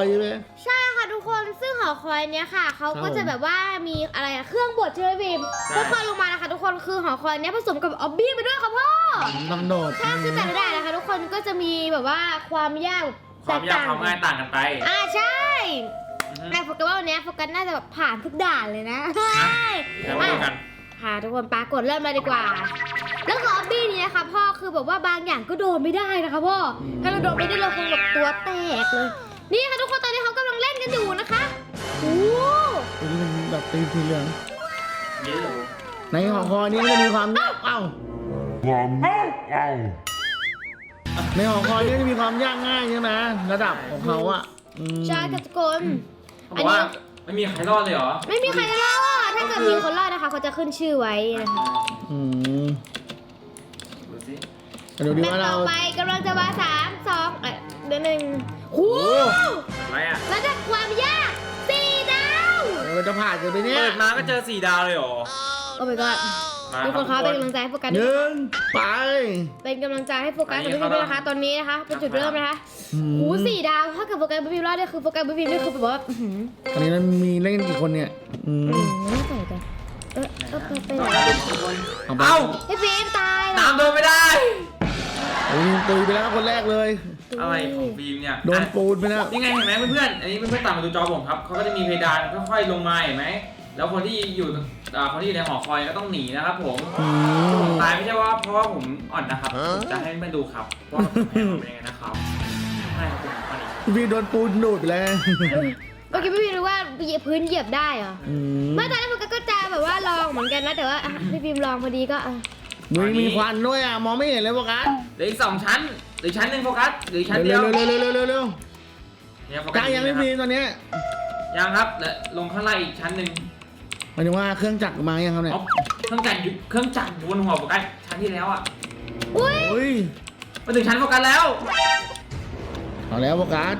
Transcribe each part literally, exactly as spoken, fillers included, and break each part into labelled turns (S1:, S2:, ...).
S1: ใช่ไหม
S2: ใช่ค่ะทุกคนซึ่งหอคอยเนี้ยค่ะเขาก็จะแบบว่ามีอะไรอะเครื่องบดใช่ไหมพิมค่อยๆลงมานะคะทุกคนคือหอคอยเนี้ยผสมกับออบบี้ไปด้วยค่ะพ่อ
S1: ต้องโดด
S2: ใช่คือแต่ละด่านนะคะทุกคนก็จะมีแบบว่าความยาก
S3: ความยากความง่ายต่างกันไป
S2: อ่าใช่แต่โฟกัสว่าวันนี้โฟกัสน่าจะแบบผ่านทุกด่านเลยนะใช่ค่ะทุกคนปากดเริ่มเลยดีกว่าแล้วก็ออบบี้นี้นะคะพ่อคือแบบว่าบางอย่างก็โดนไม่ได้นะคะพ่อถ้าเราโดนไม่ได้เราคงแบบตัวแตกเลยนี่ค่ะทุกคนตอนนี้เขากำลังเล่นกันอยู่นะคะโอ้
S1: ตัวนี้มันแบบตีสีเหลืองในหอคอยนี้มันจะมีความยากเอ้าความเอ้าในหอคอยนี้จะมีความยากง่ายใช่ไหมระดับของเขาอ่ะ
S2: ใช่ค่ะทุกคน
S3: อันนี้ไม่มีใครรอดเลยเหรอ
S2: ไม่มีใครรอดถ้าเกิดมีคนรอดนะคะเขาจะขึ้นชื่อไว้นะคะ
S1: อืม
S3: ดูสิ
S1: ดูดิว่าเรา
S2: ต่อไปกำลังจะมาสามสองเอ่อเดือนหนึ่งโอ้
S3: อะไรอ่ะ
S2: ระดับความยากสี่ดาว
S1: เราจะผ่านกันไปเนี่ย
S3: เปิดมาก็เจอสี่ดาวเลยเหรอ
S2: โอ้ my god ทุกคนคะเป็นกำลังใจให้โฟกัส
S1: หนึ่งไป
S2: เป็นกำลังใจให้โฟกัสกับพี่พิมด้วยนะคะตอนนี้นะคะเป็นจุดเริ่มนะคะโอ้สี่ดาวถ้าเกิดโฟกัสพี่พิมรอดเนี่ยคือโฟกัสพี่พิมนี่คือแบบว่า
S1: ตอนนี้เรามีเล่นกี่คนเนี่ยอืม
S2: ไม่ใส่กันเออเออไปไหน
S3: เอ้า
S2: พี่พิมตาย
S3: ตามโดนไม่ได้
S1: โอ้ยตุยไปแล้วคนแรกเลย
S3: อะไรของฟิล์มเนี่ย
S1: โดนปูนไปแล้ว
S3: ยังไงเห็นไหมเพื่อนๆอันนี้เพื่อนๆตามมาดูจอผมครับเขาก็จะมีเพดานค่อยๆลงมาเห็นไหมแล้วคนที่อยู่คนที่อยู่ในหอคอยก็ต้องหนีนะครับผมผมตายไม่ใช่ว่าเพราะว่าผมอ่อนนะครับจะให้มาดูครับว่าผมเป็นยังไงนะครับใช่ครับผม
S1: พี่โดนปูนดูดไปแล้ว
S2: เมื่อกี้พี่พิมรู้ว่าพื้นเหยียบได้เหรอไม่ตอนนั้นมันก็จะแบบว่าลองเหมือนกันนะแต่ว่าพี่พิมลองพอดีก็
S1: มึงมีควันด้วยอ่ะมองไม่เห็นเลยโฟกัส
S3: เหลืออีกสองชั้นหรือชั้นหนึ่งโฟกัสหรือชั้นเดียว
S1: เร็วเร็วเร็วเร็วเร็วเร็ว
S3: เนี่ยโฟกั
S1: สยังไม่มีตอนนี้
S3: ยังครับและลงข้างล่างอีกชั้นหนึ่ง
S1: หมายถึงว่าเครื่องจักรมายังครับเนี่ย
S3: เครื่องจักรเครื่องจักรบนหัวโฟกัสชั้นที่แล้วอ่ะ
S2: อุ้ย
S3: มาถึงชั้นโฟกัสแล้ว
S1: เอาแล้วโฟกัส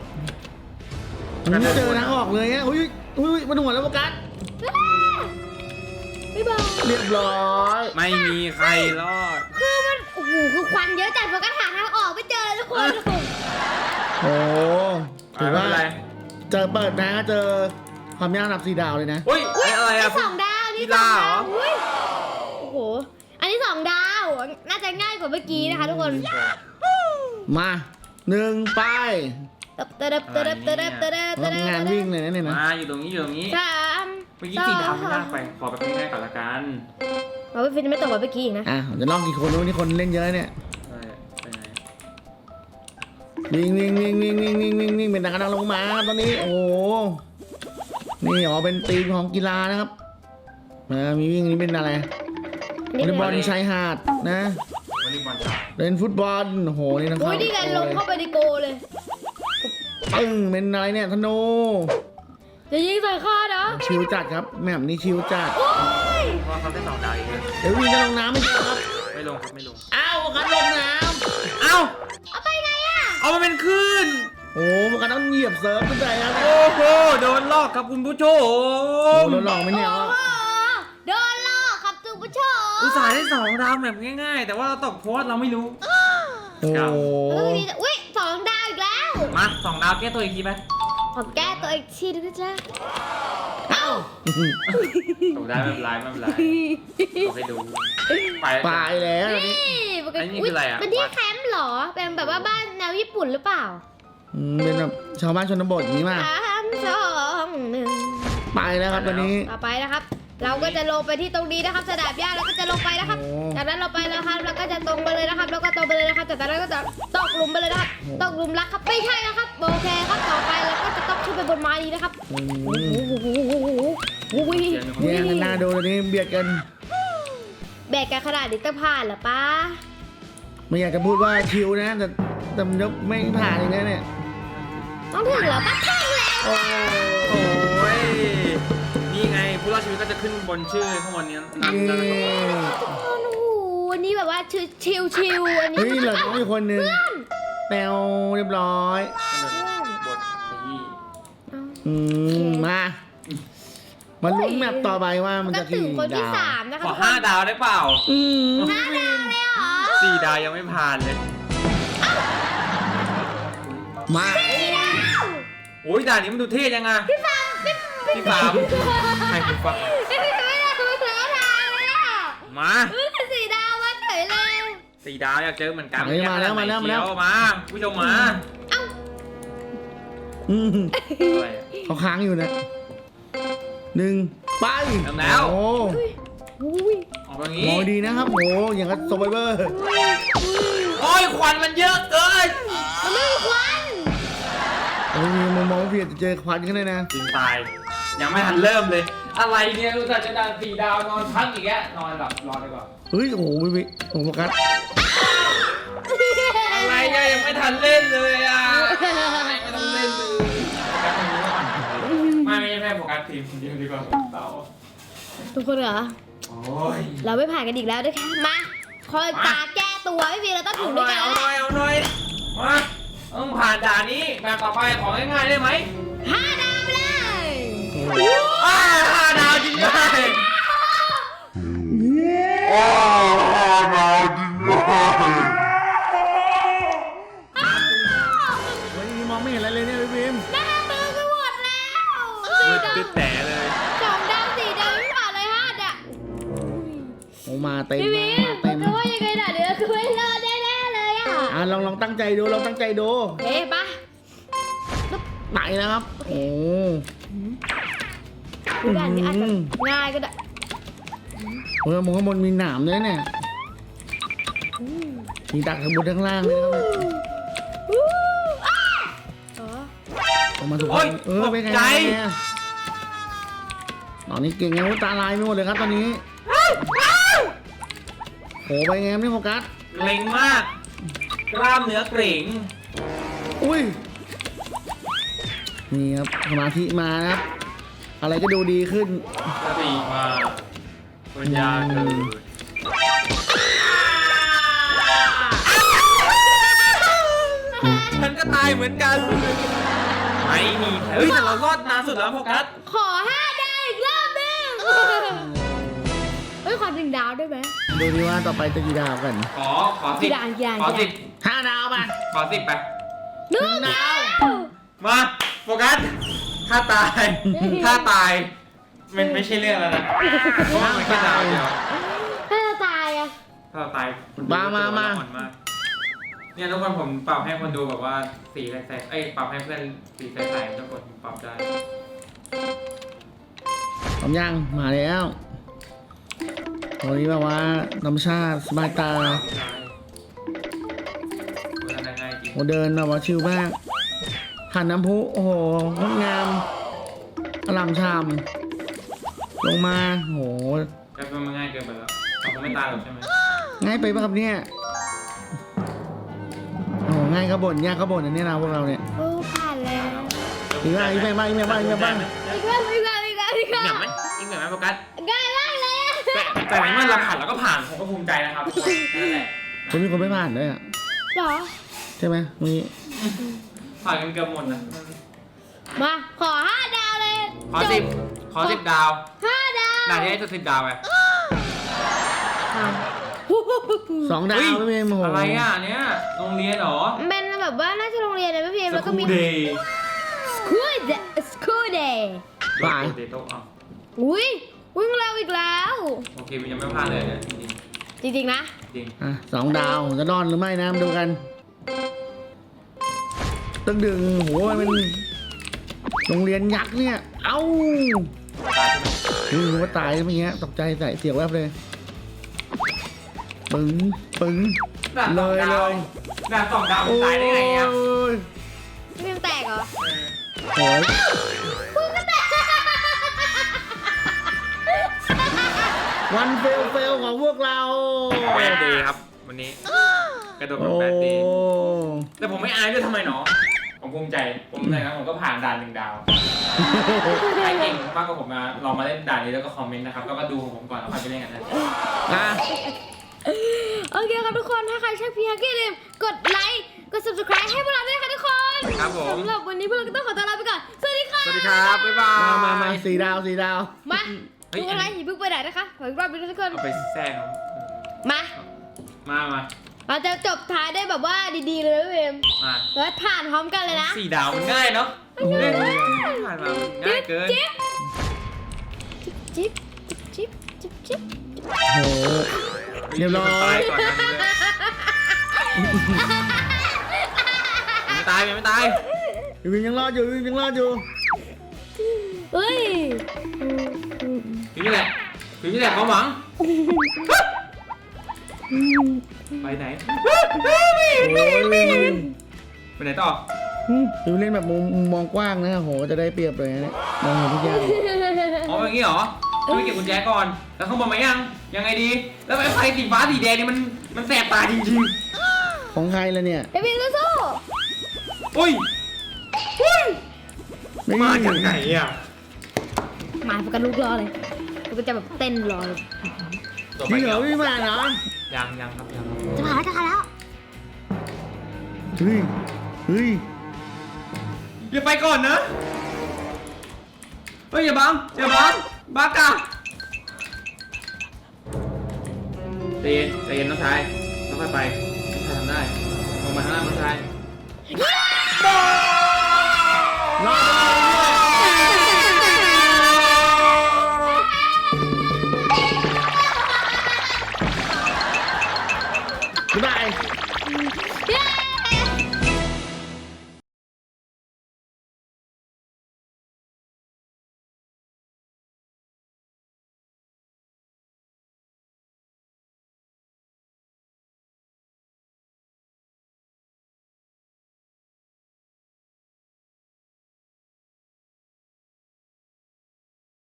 S1: มันเจอทางออกเลยอ่ะอุ้ยอุ้ยมาถึงหัวแล้วโฟกัส
S2: ไม่บอก
S1: เรียบร้อย
S3: ไม่มีใครรอด
S2: คือมันโอ้โหคือควันเยอะจัดโฟกัสหาทางออกไม่เจอทุกคน
S1: โอ้ถือว่าเจอเปิดนะเจอความยากระดับสี่ดาวเลยนะ
S3: อุ้ยอะไรอะ
S2: สองดาวนี่สองดาวโอ้โหอันนี้สองดาวน่าจะง่ายกว่าเมื่อกี้นะคะทุกคน
S1: มาหนึ่งไป
S2: เติบเติบเติบเติบเติบเติบเติบ
S1: งานวิ่งเลยนะเนี่ยนะ
S3: มาอยู่ตรงนี้อยู่ตรงนี้
S2: สาม
S3: เมื่อกี้สี่ดาวไม่ยากไปขอไปง่ายๆก่อนละกัน
S2: เราไม่ฟินไม่ตกว่าเมื่อกี้อีกนะ
S1: อ่ะจะลองกี่คนรู้นี่คนเล่นเยอะเนี่ยวิ่งวิ่งวิ่งวิ่งวิ่งวิ่งวิ่งวิ่งเป็นนักกำลังลงมาตอนนี้โอ้นี่อ๋อเป็นทีมของกีฬานะครับมีวิ่งนี่เป็นอะไรวอลเลย์บอลชายหาดนะ
S3: วอลเลย์บอลชาย
S1: เล่นฟุตบอลโอ้โหนี่นะครับ
S2: โอ้ยนี่ไงลงเข้าไปในโกเลย
S1: ปึ้งเป็นอะไรเนี่ยธนู
S2: จะยิงใส่ข้านะ
S1: ชิวจัดครับแม่มนี่ชิวจัด
S3: เพราะเขาได้สองดาวอีกเลย
S1: เดี๋ยววิ่งจะลงน้ำไม่
S3: ใช่
S1: ครับ
S3: ไม่ลงครับไม่ลง
S1: อ้าวกันลงน้ำ
S3: อ้าว
S2: เอาไปไงอ่ะ
S3: เอามาเป็นคลื่น
S1: โอ้มันก็ต้องเหยียบเซิร์ฟขึ้นไปครับ
S3: โอ้โหโดนลอกครับคุณผู้ช
S1: มโดนหลอกไม่เนี่ย
S2: โดนลอกครับคุณผู้ชม
S3: อุตส่าห์ได้สองดาวแบบง่ายๆแต่ว่าเราตกโพสเราไม่รู้
S1: โอ้
S2: อุ้ยสองดาวอีกแล้ว
S3: มาสองดาวแก้ตัวอีกทีไหม
S2: ขอแก้ตัวอีกทีนึงนะจ๊ะ
S1: เอ้า
S3: ตกได้ไม่เป็นไรไม่เป็นไรเอาให้ดู
S1: ไปไปแล้ว
S2: นี่
S3: อันนี้คืออะไรอ่ะ
S2: เป็นที่แคมป์เหรอเป็นแบบว่าบ้านแนวญี่ปุ่นหรือเปล่า
S1: เป็นแบบชาวบ้านชนบทนี้มา
S2: สามสองหนึ่ง
S1: ไปแล้วครับตอนนี้
S2: ต่อไปนะครับเราก็จะลงไปที่ตรงนี้นะครับสนามหญ้าเราก็จะลงไปนะครับจากนั้นเราไปแล้วครับเราก็จะตรงไปเลยนะครับแล้วก็ตรงไปเลยนะครับจากนั้นก็จะตกหลุมไปเลยนะครับตกหลุมรักครับไม่ใช่นะครับโอเคครับต่อไปเราก็จะต้องขึ้นไปบนไม้นี้นะครับโอ้โห
S1: เนี่ยน่าดูเลยนี่เบียดกัน
S2: แบกกันขนาดนี้ต้องผ่านหรอป้า
S1: ไม่อยากจะพูดว่าชิวนะแต่แต่มันไม่ผ่านอย่างนี้เนี่ย
S2: ต้องถึงเหรอป้าถึงแล้ว
S3: โอ้ยนี่ไงผู้รอดชีวิตก็จะขึ้นบนชื่อข้างบนนี้นั่นนะครับ
S2: ทุกคนโอ้โหวันนี้แบบว่าชิวชิวชิวอันนี้
S1: เฮ้ยเหลือต้องมีคนหนึ่งแปลวเรียบร้อย
S3: บทที่
S1: อืมมามาลุ้นแมปต่อไปว่ามันจะกี่
S2: ดาว
S3: ขอห้าดาวได้เปล่า
S2: ห้าดาวเลยเหรอ
S3: สี่ดาวยังไม่ผ่านเลย
S1: มา
S3: โอ้ยด่านนี้มันดูเท่ยังไงพี่ฟาร์มพี่ฟาร์มใครพี่ฟาร์ม
S2: ไม่ได้ไม่ได้ไม่ได้ทางเลยอ่ะ
S3: มา
S2: เออสีดาวมาเฉยเลย
S3: สี่ดาวอยากเจอเหมือนกัน
S1: เฮ้ยมาแล้วมาแล้วมาแล้ว
S3: มาผู้ชมมา
S2: เอ้า
S1: อืม
S3: อะไรอะ
S1: เขาค้างอยู่นะหนึ่งไป
S3: เริ่มแล้ว
S1: โอ้
S2: อุ้ย
S3: ออกตรง
S1: ม
S3: นี้
S1: องดีนะครับโอ้อย่างกับโซเวอร์
S3: โอ้ยควันมันเยอะเกิน
S2: มันไม่มีควัน
S1: โอ้ยมองมองเพียจะเจอควันกันเลยนะ
S3: จริงตายยังไม่ทันเริ่มเลย อะไรเนี่ยรู้จักจะด่านสี่ดาวนอนพักอีกแล้วนอนหลับรอดีกว่า
S1: เฮ้ยโอ้โหวิวิโอ้โหโฟกัส
S3: อะไรเนี่ยยังไม่ทันเล่นเลยอ่ะไม่ต้องเล่นเลยโฟกัสตรงนี้ก่อนไม่ไม่ใช่โฟกัสทีมคนเดียวดีกว่าเต่า
S2: ทุกคนเหรอ
S3: โอ้ย
S2: เราไม่ผ่านกันอีกแล้วด้วยค่ะมาคอยตาแก้ตัวไม่มีเราต้อง
S3: เอา
S2: ถึง
S3: ห
S2: ด้
S3: น่
S2: ว
S3: อย ย
S2: กัน
S3: เอา
S2: แล้ว
S3: หน่อยเอาหน่อยมาต้องผ่านด่านนี้แบบต่อไปของง่ายๆได้ไหม
S2: ห้าดาวไปเลย
S3: อ้าห้าดาวจริงด้วย
S1: เฮ้ยมองไม่เห็นอะไรเลยเนี่ยพี่พิม
S2: หน้ามือก็หมดแล้ว
S3: มืดตึ๊ดแต่เลย
S2: สองดาวสี่ดาวไม่ผ่านเลยห้าดาว
S1: โอ้มาเต็ม
S2: พี่
S1: มา
S2: วิน
S1: เต็ม
S2: ก็ว่ายังไงด่าเดี๋ยวคือไม่รอดแน่ๆเลยอ่ะ
S1: อ่ะลองลองตั้งใจดูลองตั้งใจดู
S2: เฮ้ปะ
S1: ไหนนะครับโอ้
S2: ดูด่านนี้อาจจะง่ายก็ได้
S1: โหมองข้างบนมีหนามด้วยเนี่ยมีดักข้างบนข้างล่างเลยนะครับ
S2: อู้อ้าอ๋อ
S1: ออกมาถูก
S3: โอ้ย
S1: เออเป็นไง
S3: ตกใจ
S1: เนี่ยตอนนี้เก่งไงว่าตาลายไม่หมดเลยครับตอนนี้โหไปไงไม่โฟกัส
S3: เกร็งมาก กล้ามเนื้อเกร็ง
S1: อุ้ยนี่ครับสมาธิมานะครับ อะไรก็ดูดีขึ้น
S3: สติมาปัญญาเกิดฉันก็ตายเหมือนกัน ไม่มีใครเฮ้ยแต่เรารอดนานสุดแล้วโฟกัส
S2: ขอห้าดาวอีกรอบหนึงเฮ้ยขอหนึ่งดาวได้ไหม
S1: ดูดีว่าต่อไปจะกี่ดาวกัน
S3: ขอ ขอสิบ
S2: กี่ด่านกี่ด่าน
S3: ขอสิบ
S1: ห้าดาวป่ะ
S3: ขอสิบไป
S2: หนึ่ง
S1: ดาว
S3: มาโฟกัส ถ้าตาย ถ้าตาย มันไม่ใช่เรื่องแล้วนะเพราะว่ามันแค่ดาวเดียว
S2: ถ้าจะตายอ่ะ
S3: ถ้าเราตายคุณ
S1: มามามา
S3: อ่อนกเนี่ยทุกคนผมปรับให้คนดูแบบว่าสีใสๆเอ้ยปรับให้เพื่อนสีใสๆทุกคนปรับได้
S1: พร้อมยังมาแล้วตอนนี้แบบว่าธรรมชาติสบายตา
S3: ได้มันง่ายจริง
S1: โอ้เดินแบบว่าชิลมากผ่านน้ำพุโอ้โหงดงามอลามชามลงมาโห
S3: แต่มันง่ายเกินไปแล้วเราคงไม่ตายหรอกใช่ไหม
S1: ง่ายไปปะครับเนี่ยโอ้โหง่ายขบวนยากขบวนอันนี้นะพวกเราเนี่ย
S2: โอ้ผ่านแล้ว
S1: อีกบ้างอีกบ้างอีกบ้างอีกบ้างอีกบ้าง
S2: อีกแล้วอีกแล้วอีกแล้วอีก
S3: อีก
S2: แล้ว
S3: แบบไหมอีกแบบไหมโฟกัส
S2: ง่ายมากเลยอะ
S3: แต่แต่ในเมื่อเราผ่านเราก็ผ่านผมก็ภูมิใจนะครับทุกคนนั่นแหละ
S1: คนมีคนไม่ผ่านด้วยอ่ะ
S2: เหรอ
S1: ใช่ไหมมี
S3: ผ่านกันเกือบหมดนะ
S2: มาขอห้าดาวเลย
S3: ขอสิบขอสิบดาว
S2: ห้าดาว
S3: ด่านนี้ให้จะสิบดาวไป
S1: สองดาว
S3: เฮ้ย
S1: ไม่เป็นโอ้โห
S3: อะไรอ่ะเนี้ยโรงเรียนเหรอ
S2: มันเป็นแบบว่าน่าจะโรงเรียนเลยพี่พิมพ์แล้วก็มี
S3: เดย์
S2: school day school day
S1: ป่าย
S3: เดย์โต๊ะอ่ะ
S2: อุ้ยวิ่งเร็วอีกแล้ว
S3: โอเคมันยังไม่พลาดเลยเนี่ยจริง
S2: จริงๆนะ
S3: ๆจริง
S1: อ่ะสองดาวจะรอดหรือไม่นะมาดูกันตึงดึงโหมันเป็นโรงเรียนยักษ์เนี่ย เอ้านี่รู้ว่าตายเมื่อกี้ตกใจใส่เสียวแวบเลยปึ้งปึ้ง
S3: ด่านส
S1: เล
S3: อง
S1: ย
S3: ดา
S1: เล
S3: วย ด่านสองดาวมันตายได้ไงอ่ะ
S1: โอ้ย
S2: พี่พิมพ์แตกเหรอ
S1: โอ้ย
S2: กูก็แตก
S1: วันเฟลเฟลของพวกเรา
S3: แบดเดย์ครับวันนี้กระโดดแบบ
S1: โอ้
S3: แบดเดย์แต่ผมไม่อายด้วยทำไมหนอผมภูมิใจผมเลยนะผมก็ผ่านด่านหนึ่งดาวใครเก่งมากกว่าผมมาลองมาเล่นด่านนี้แล้วก็คอมเมนต์นะครับแล้วก็ดูของผมก่อนแล้วค่อยไปเล่นกันนะ
S1: อ่ะ
S2: โอเคครับทุกคนถ้าใครชอบพี่ฮักกี้ลืมกดไลค์กด subscribe ให้พวกเราด้วยนะคะทุกคน
S3: ครับผม
S2: สำหรับวันนี้พวกเราก็ต้องขอตัวลาไปก่อนสวัสดีค่ะ
S3: สวัสดีครับบ๊ายบาย
S1: มามามาสี่ดาวสี่ดาว
S2: มา
S3: เฮ้ย
S2: ดูอะไรอย่าเพิ่งไปไหนนะคะขออีกรอบหนึงนะทุกคน
S3: เอาไปแทรกเขา
S2: มา
S3: มามา
S2: เราจะจบท้ายได้แบบว่าดีๆเลยนะพี่พิมพ์
S3: มา
S2: แล้วผ่านพร้อมกันเลยนะ
S3: สี่ดาวมันง่ายเนาะ
S2: เ
S1: โอ้โห
S3: เล่นผ่านมาง่ายเกิน
S2: จิ๊บจิ๊บจิ๊บจิ๊บจิ๊บ
S1: โอ้โหเรียบร้อ
S3: ตาย
S1: ย
S3: ก่อนนะไม่ตายไม่ตาย
S1: วินยังรอดอยู่วินยังรอดอยู่
S2: เฮ้ย
S3: พี่นี่แหละพี่นี่แหละความหวังไปไหน
S1: โอ้ยวิน
S3: ไปไหนต่อ
S1: วินเล่นแบบมุมมุมมองกว้างนะโหจะได้เปรียบเลยนะเนี่ยมองเห็นทุกอย่าง
S3: อ๋ออย่างงี้เหรอไม่เก็บกุญแจก่อนแล้วข้างบนมายังยังไงดีแล้วไอ้ไฟสีฟ้าสีแดงนี่มันมันแสบตาจริง
S1: ของใครล่ะเนี่ย
S2: เดวิดสู้
S3: ๆอุ้ย
S1: ไม่
S3: มาจากไหนอ่ะ
S2: ๆหมายโฟกัสลูกรอเลยกูก็จะแบบเต้นรอเลย
S3: ตัว
S1: จ
S3: ไป
S1: ริงเหร
S3: แล้
S1: อ
S3: ว
S1: พี่มาเหรอ
S3: ยังยังครับยัง
S2: จะมาแล้วจะมาแล้ว
S1: เฮ้ยเฮ้ย
S3: อย่าไปก่อนนะเฮ้ยอย่าบังอย่าบังบังกะใจเย็นใจเย็นน้องชายค่อยๆไปน้องชายทำได้ลงมาข้างล่างน้องชาย